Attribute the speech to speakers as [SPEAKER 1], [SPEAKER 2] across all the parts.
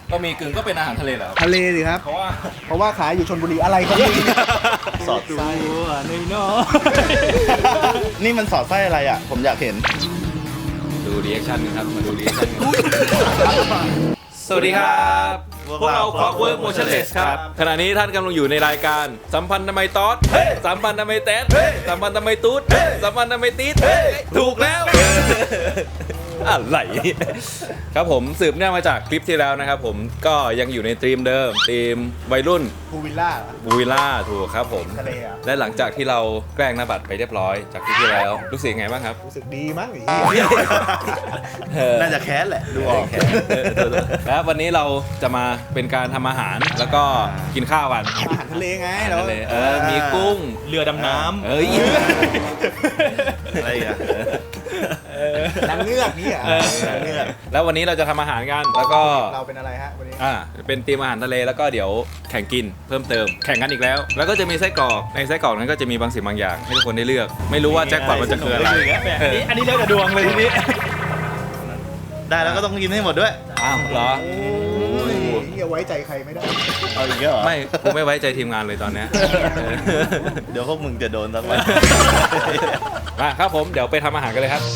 [SPEAKER 1] ก็มีกึ่งก็เป็นอาหารทะเลเหรอ
[SPEAKER 2] ทะเลสิครับ
[SPEAKER 1] เพราะว่า
[SPEAKER 2] ขายอยู่ชลบุรีอะไรครับนี่
[SPEAKER 3] สอดไส้
[SPEAKER 2] นี่เนาะ
[SPEAKER 3] นี่มันสอดไส้อะไรอ่ะผมอยากเห็น
[SPEAKER 1] ดูรีแอคชั่นครับมาดูรีแอคชั่นสวัสดีครับ
[SPEAKER 3] พวก
[SPEAKER 1] พวก
[SPEAKER 3] เรา
[SPEAKER 1] เรา Clockwork Motionless ครับขณะนี้ท่านกำลังอยู่ในรายการสัมพันธ์ทำไมตอดสัมพันธ์ทำไมแต๊ดสัมพันธ์ทำไมตูดสัมพันธ์ทำไมตีดถูกแล้วอะไรครับผมสืบเนื่องมาจากคลิปที่แล้วนะครับผมก็ยังอยู่ในธีมเดิมธีมวัยรุ่น
[SPEAKER 2] พูวิลล่า
[SPEAKER 1] บูวิลล่าถูกครับผม
[SPEAKER 2] ทะเลอ่ะ
[SPEAKER 1] และหลังจากที่เราแกล้งหน้าบัตรไปเรียบร้อยจากคลิปที่แล้วรู้สึกไงบ้างครับ
[SPEAKER 2] รู้สึกดีมั้งไอ้เหี้ย
[SPEAKER 3] น่าจะแค้นแหละดูออก
[SPEAKER 1] แล้ววันนี้เราจะมาเป็นการทำอาหารแล้วก็กินข้าวกัน
[SPEAKER 2] อาหารทะเลไงเรา
[SPEAKER 1] ทะเลมีกุ้ง
[SPEAKER 4] เรือดำน้
[SPEAKER 1] เอ้ย
[SPEAKER 3] อะไรอ่ะ
[SPEAKER 2] นางเงือกนี่อ่ะ
[SPEAKER 3] นางเงือก
[SPEAKER 1] แล้ววันนี้เราจะทำอาหารกันแล้วก็
[SPEAKER 2] เราเป็นอะไรฮะวันนี้
[SPEAKER 1] เป็นทีมอาหารทะเลแล้วก็เดี๋ยวแข่งกินเพิ่มเติมแข่งกันอีกแล้ว แล้วก็จะมีไส้กรอกในไส้กรอกนั้นก็จะมีบางสิ่งบางอย่างให้ทุกคนได้เลือก ไม่รู้ว่าแจ็คพอตมันจะคืออะไร
[SPEAKER 4] ำอันนี้เรื่องกระดวงเลยทีนี้
[SPEAKER 3] ได้แล้วก็ต้องกินให้หมดด้วย
[SPEAKER 1] อ้าวเหรอ
[SPEAKER 2] โอ้ยเหี้ยไว้ใจใครไม่ได้
[SPEAKER 3] เอาอีกแล้วเหรอ
[SPEAKER 1] ไม่กูไม่ไว้ใจทีมงานเลยตอนเนี้ย
[SPEAKER 3] เดี๋ยวพวกมึงจะโดนสักวัน
[SPEAKER 1] มาครับผมเดี๋ยวไปทำอาหารกันเลยครับ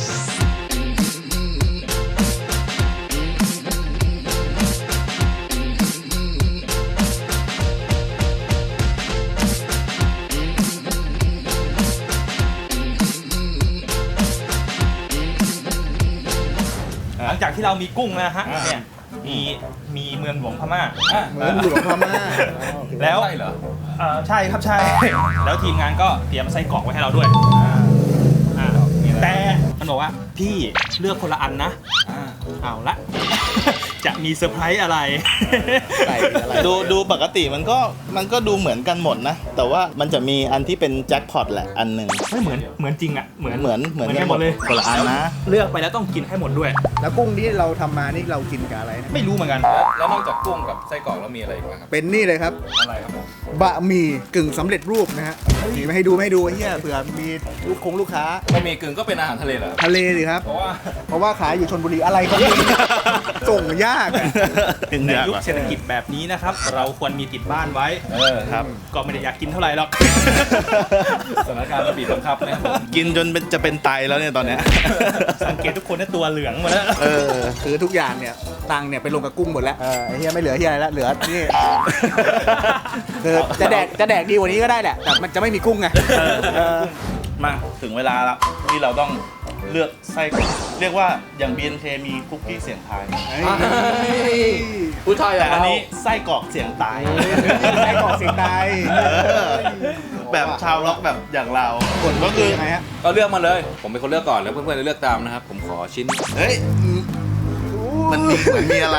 [SPEAKER 4] หลังจากที่เรามีกุ้งนะฮะเนี่ยมีเมืองหลวงพม่า
[SPEAKER 2] เหมือนหลวงพม่า
[SPEAKER 4] แล้ว
[SPEAKER 1] ใช่เหรอ
[SPEAKER 4] ใช่ครับใช่ แล้วทีมงานก็เตรียมไส้กรอกไว้ให้เราด้วยแต่มันบอกว่าพี่เลือกคนละอันนะเอาละ จะมีเซอร์ไพรส์อะไร
[SPEAKER 2] ไก่อะไร
[SPEAKER 3] ดูปกติมันก็ดูเหมือนกันหมดนะ แต่ว่ามันจะมีอันที่เป็นแจ็คพอตแหละอันหนึ่ง
[SPEAKER 4] ไม่เหมือนจริงอ่ะเหมือน
[SPEAKER 3] เหมือน
[SPEAKER 4] กันหมดเลย
[SPEAKER 3] คนละอันนะ
[SPEAKER 4] เลือกไปแล้วต้องกินให้หมดด้วย
[SPEAKER 2] แล้วกุ้งที่เราทำมานี่เรากินกับอะไรนะ
[SPEAKER 4] ไม่รู้เหมือนกัน
[SPEAKER 1] แล้วนอกจากกุ้งกับไส้กรอกแล้วมีอะไรอีกบ้างครับ
[SPEAKER 2] เป็นนี่เลยครับ
[SPEAKER 1] อะไรครับผม
[SPEAKER 2] บะหมี่กึ่งสำเร็จรูปนะฮะนี่ไม่ให้ดูไอ้เหี้ยเผื่อมีลูกค้า
[SPEAKER 1] ก็มีกึ่งก็เป็นอาหารทะเลเหรอ
[SPEAKER 2] ทะเลสิครับ
[SPEAKER 1] เพราะว่า
[SPEAKER 2] ขายอยู่ชลบุรีอะไรครับนี่ส่งยากอะ
[SPEAKER 4] ในยุคเศรษฐกิจแบบนี้นะครับ เราควรมีติดบ้านไว้
[SPEAKER 3] ครับ
[SPEAKER 4] ก็ไม่ได้อยากกินเท่าไหร่หรอก
[SPEAKER 1] สถานการณ์มันบีบบังคับนะครับผม
[SPEAKER 3] กินจนจะเป็นไตแล้วเนี่ยตอนเนี้ย
[SPEAKER 4] สังเกตทุกคนเนี่ยตัวเหลืองหมดแล้ว
[SPEAKER 2] คือทุกอย่างเนี่ยตังค์เนี่ยไปลงกับกุ้งหมดแล้วไอ้เหี้ยไม่เหลือเหี้ยอะไรแล้วเหลือนี่คือจะแดกดีกว่านี้ก็ได้แหละแต่มันจะไม่มีกุ้งไง
[SPEAKER 3] มาถึงเวลาแล้วที่เราต้องเลือกไส้กรอกเรียกว่าอย่าง BNK มีคุกกี้เสียงทาย
[SPEAKER 1] ผู้ชาย
[SPEAKER 3] แต่
[SPEAKER 1] แต่
[SPEAKER 3] อั
[SPEAKER 1] อั
[SPEAKER 3] น
[SPEAKER 1] น
[SPEAKER 3] นี้
[SPEAKER 1] นี้
[SPEAKER 3] ไส้กรอกเสียงตาย
[SPEAKER 2] ไส้กรอกเสียงตาย
[SPEAKER 3] แบบชาวล็อกแบบอย่างเรา
[SPEAKER 2] กด
[SPEAKER 3] ก็คือ
[SPEAKER 2] ยังไงฮะ
[SPEAKER 1] ก็เลือกมาเลย ผมเป็นคนเลือกก่อนแล้วเพื่อนๆจะเลือกตามนะครับ ผมขอชิ้น
[SPEAKER 3] เฮ้ยมันมีเหมือนมีอะไร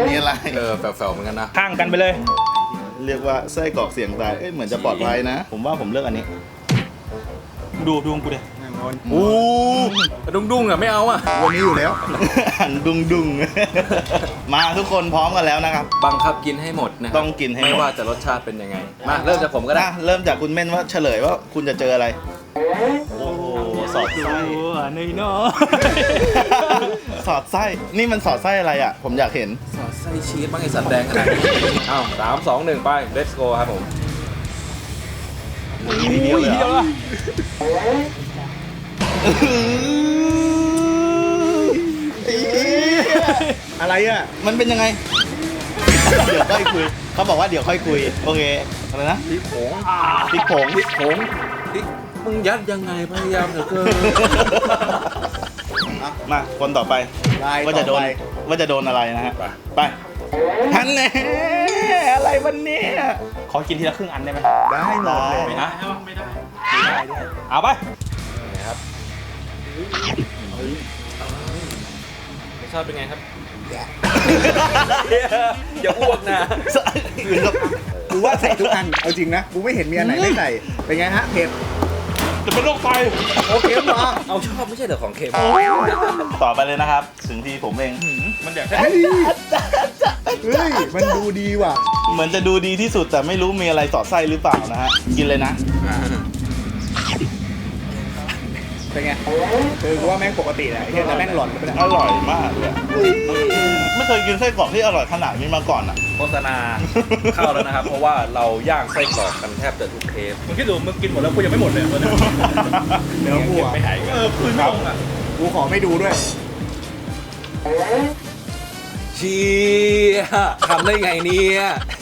[SPEAKER 1] แฝงๆเหมือนกันนะ
[SPEAKER 4] ข้างกันไปเลย
[SPEAKER 3] เรียกว่าไส้กรอกเสียงตายเอ้ยเหมือนจะปลอดภัยนะ ผมว่าผมเลือกอันนี้
[SPEAKER 4] ดูของกูดิ
[SPEAKER 3] อู้
[SPEAKER 1] ดุ้งๆอ่ะไม่เอาอ่ะ
[SPEAKER 2] วันนี้อยู่แล้ว
[SPEAKER 3] หันดุงมาทุกคนพร้อมกันแล้วนะครับ
[SPEAKER 1] บังคับกินให้หมดนะ
[SPEAKER 3] ต้องกินให้หมด
[SPEAKER 1] ไม่ว่าจะรสชาติเป็นยังไง มาเริ่มจากผมก็ได้
[SPEAKER 3] เริ่มจากคุณเม่นว่าเฉลยว่าคุณจะเจออะไร โอ้โหสอดไส้
[SPEAKER 4] ในเนาะ
[SPEAKER 3] สอดไส้นี่มันสอดไส้อะไรอ่ะ ผมอยากเห็น
[SPEAKER 1] สอดไส้ชีสบ้างไอสัตว์แดงขนาดนี้อ้าว3 2 1 ไป let's go ครับผม
[SPEAKER 3] ทีเดียวเลยเหรอ
[SPEAKER 2] อะไรอ่ะ
[SPEAKER 3] มันเป็นยังไง เดี๋ยวค่อยคุย เขาบอกว่าเดี๋ยวค่อยคุย โอเค อะไรนะ
[SPEAKER 1] พริกผง
[SPEAKER 3] พริกผง
[SPEAKER 1] พริกผงพริกมึงยัดยังไงพยายามเหลือเกิน
[SPEAKER 3] มาคนต่อไป
[SPEAKER 2] ลาย
[SPEAKER 3] ว่าจะโด
[SPEAKER 2] ต่
[SPEAKER 3] น
[SPEAKER 2] อไป
[SPEAKER 3] ว่าจะโดนอะไรนะฮะ ไปฮันแน่อะไรวันนี้
[SPEAKER 4] ขอกินทีละครึ่งอันได้ไหม
[SPEAKER 2] ได้หมดเลย
[SPEAKER 4] ไม่ได้ไม่ได้เอาไป
[SPEAKER 1] นะครับรสชาติเป็นไงครับ อย่าอ้วกนะ
[SPEAKER 2] กูว่าใส่ทุกอันเอาจริงนะกูไม่เห็นมีอันไหนไม่ใส่เป็นไงฮะเผ็ด
[SPEAKER 4] จะเป็นโรคไต
[SPEAKER 2] โอเคเหรอ
[SPEAKER 1] เอาชอบไม่ใช่เหรอของเค็ม
[SPEAKER 3] ต่อไปเลยนะครับ ถึงที่ผมเอง
[SPEAKER 4] มันอยาก
[SPEAKER 2] เฮ้ยมันดูดีว่ะ
[SPEAKER 3] เหมือนจะดูดีที่สุดแต่ไม่รู้มีอะไรสอดไส้หรือเปล่านะฮะ กินเลยนะ
[SPEAKER 2] เป็นไงคือกูว่าแม่งปกติแหละไอ้เหี้ยแต่แม่งหลอนไปเลย
[SPEAKER 3] อร่อยมากเลยไม่เคยกินไส้กรอกที่อร่อยขนาดนี้มาก่อนอ่ะ
[SPEAKER 1] โฆษณาเข้าแล้วนะครับ เพราะว่าเราย่างไส้กรอกกันแทบจะทุกเทป
[SPEAKER 4] มึงคิดดูมึงกินหมดแล้วกูยังไม่หมดเลยตอนนี้
[SPEAKER 2] เดี๋ยวกูอ่ะ
[SPEAKER 4] ไม่หายคืนไม่ลงอ่ะ
[SPEAKER 2] กูขอไม่ดูด้วย
[SPEAKER 1] เชียทำได้ไงเนี่ย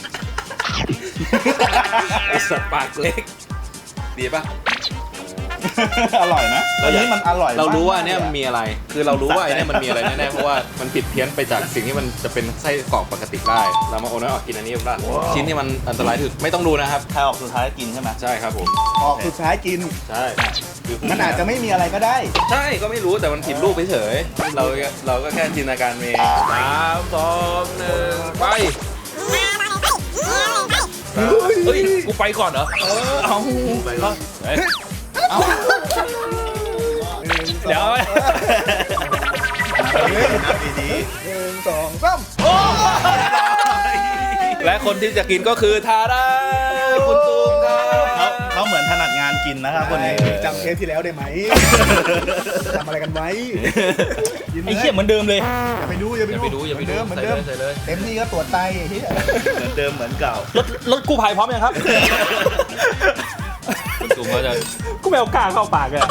[SPEAKER 1] ไอสัตว์ปากเล็ก ดีปะ
[SPEAKER 3] อร่อยนะอันนี้มันอร่อย
[SPEAKER 1] เรารู้ว่าอัน
[SPEAKER 3] มก
[SPEAKER 1] เนี้ยมันมีอะไร คือเรารู้ว่าไอ้เนี่ยมันมีอะไรแน่ๆ เพราะว่ามันผิดเพี้ยนไปจากสิ่งที่มันจะเป็นไส้กรอกปกติได้ เรามาโอนน้อยออกกินอันนี้ได้ชิ้นที่มันอันตรายที่สุดไม่ต้องดูนะครับ
[SPEAKER 3] ใครออกสุดท้ายกินใช่ไหม
[SPEAKER 1] ใช่ครับผม
[SPEAKER 2] ออกสุดท้ายกิน
[SPEAKER 1] ใช่คือ
[SPEAKER 2] มันอาจจะไม่มีอะไรก็ได้
[SPEAKER 1] ใช่ก็ไม่รู้แต่มันผิดรูปเฉยๆเราก็แค่จินตนาการเอง3 2 1 ไปเฮ้ย กูไปก่อนเหรอ
[SPEAKER 2] เอาไปก็
[SPEAKER 1] เฮ้ย
[SPEAKER 2] เอา
[SPEAKER 4] เดี๋ยว
[SPEAKER 3] ดี
[SPEAKER 2] 1 2 3
[SPEAKER 1] และคนที่จะกินก็คือทาราคุณตูมครับ
[SPEAKER 3] ๆเขาเหมือนถนัดงานกินนะครับคนนี้
[SPEAKER 2] จำเทปที่แล้วได้ไหมทำอะไรกันไว้
[SPEAKER 4] ไอ้เหี้ยเหมือนเดิมเลย
[SPEAKER 2] อย่าไปดูอย่าไป
[SPEAKER 1] อย่าไปดูอย่าไปดู
[SPEAKER 2] เหมือน
[SPEAKER 1] ใส่
[SPEAKER 2] เดิ
[SPEAKER 1] เล
[SPEAKER 2] ม
[SPEAKER 1] ยใส่เลย
[SPEAKER 2] เต็มที่ก็ตรวจไตไอ้เหี้ย
[SPEAKER 3] เหมือนเดิมเหมือนเก่า
[SPEAKER 4] รถกู้ภัยพร้อมยังครับ
[SPEAKER 1] คุณตูมก็จะ
[SPEAKER 4] กูไม่เอากล้าเข้าปากเลย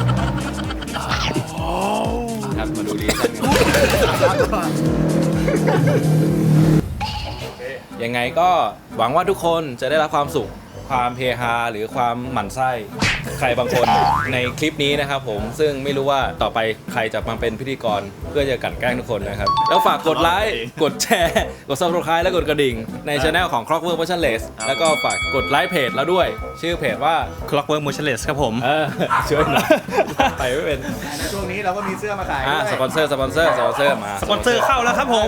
[SPEAKER 1] ครับมาดูดีกันยังไงก็หวังว่าทุกคนจะได้รับความสุข ความเฮฮาหรือความหมั่นไส้ใครบางคนในคลิปนี้นะครับผมซึ่งไม่รู้ว่าต่อไปใครจะมาเป็นพิธีกรเพื่อจะกลั่นแกล้งทุกคนนะครับ แล้วฝากกดไลค์กดแชร์กด subscribe และกดกระดิ่งในช anel ของ Clockwork Motionless แล้วก็ฝากกดไลค์เพจเราด้วย ชื่อเพจว่า
[SPEAKER 4] Clockwork Motionless ครับผม
[SPEAKER 1] ช่วยหน่อยไปไม่เป็น
[SPEAKER 2] ในช่วงนี้เราก็มีเสื้อมาขายด้วย
[SPEAKER 1] สปอนเซอร์มา
[SPEAKER 4] สปอนเซอร์เข้าแล้วครับผม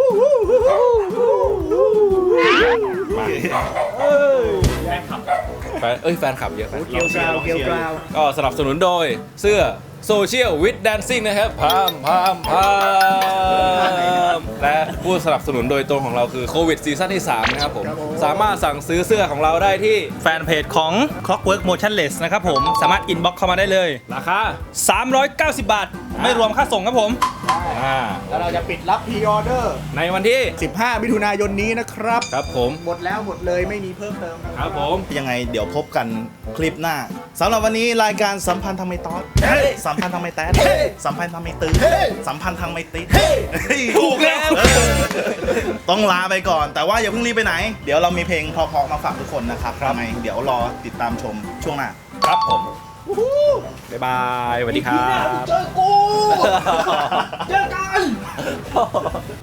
[SPEAKER 1] แฟนคลับเยอะแฟน
[SPEAKER 2] เกลียวกราวเกลียวกราว
[SPEAKER 1] ก็สนับสนุนโดยเสื้อ Social with Dancing นะครับพามและผู้สนับสนุนโดยตรงของเราคือโควิดซีซั่นที่ 3 นะครับผม สามารถสั่งซื้อเสื้อของเราได้ที่
[SPEAKER 4] แฟนเพจของ Clockwork Motionless นะครับผม สามารถอินบ็อกเข้ามาได้เลย
[SPEAKER 1] ราคา
[SPEAKER 4] 390 บาท ไม่รวมค่าส่งครับผม
[SPEAKER 2] แล้วเราจะปิดรับพรีออเดอร์
[SPEAKER 1] ในวันที่
[SPEAKER 2] 15 มิถุนายนนี้นะครับ
[SPEAKER 1] ครับผม
[SPEAKER 2] หมดแล้วหมดเลยไม่มีเพิ่มเติมนะ
[SPEAKER 1] ค
[SPEAKER 2] ค
[SPEAKER 1] รั
[SPEAKER 2] รั
[SPEAKER 1] บบ ผม
[SPEAKER 3] ยังไงเดี๋ยวพบกันคลิปหน้าสำหรับวันนี้รายการสัมพันธ์ทำไมตอสสัมพันธ์ทำไมแต๊ดสัมพันธ์ทำไมตื้อสัมพันธ์ทำไมติ๊ด
[SPEAKER 1] ถูกแล้ว
[SPEAKER 3] ต้องลาไปก่อน แต่ว่าอย่าเพิ่งรีบไปไหน เดี๋ยวเรามีเพลงเพราะๆมาฝากทุกคนนะครับทำไมเดี๋ยวรอติดตามชมช่วงหน้า
[SPEAKER 1] ครับผม บ๊ายบายสวัสดีครับ
[SPEAKER 2] เจอกู เจอกัน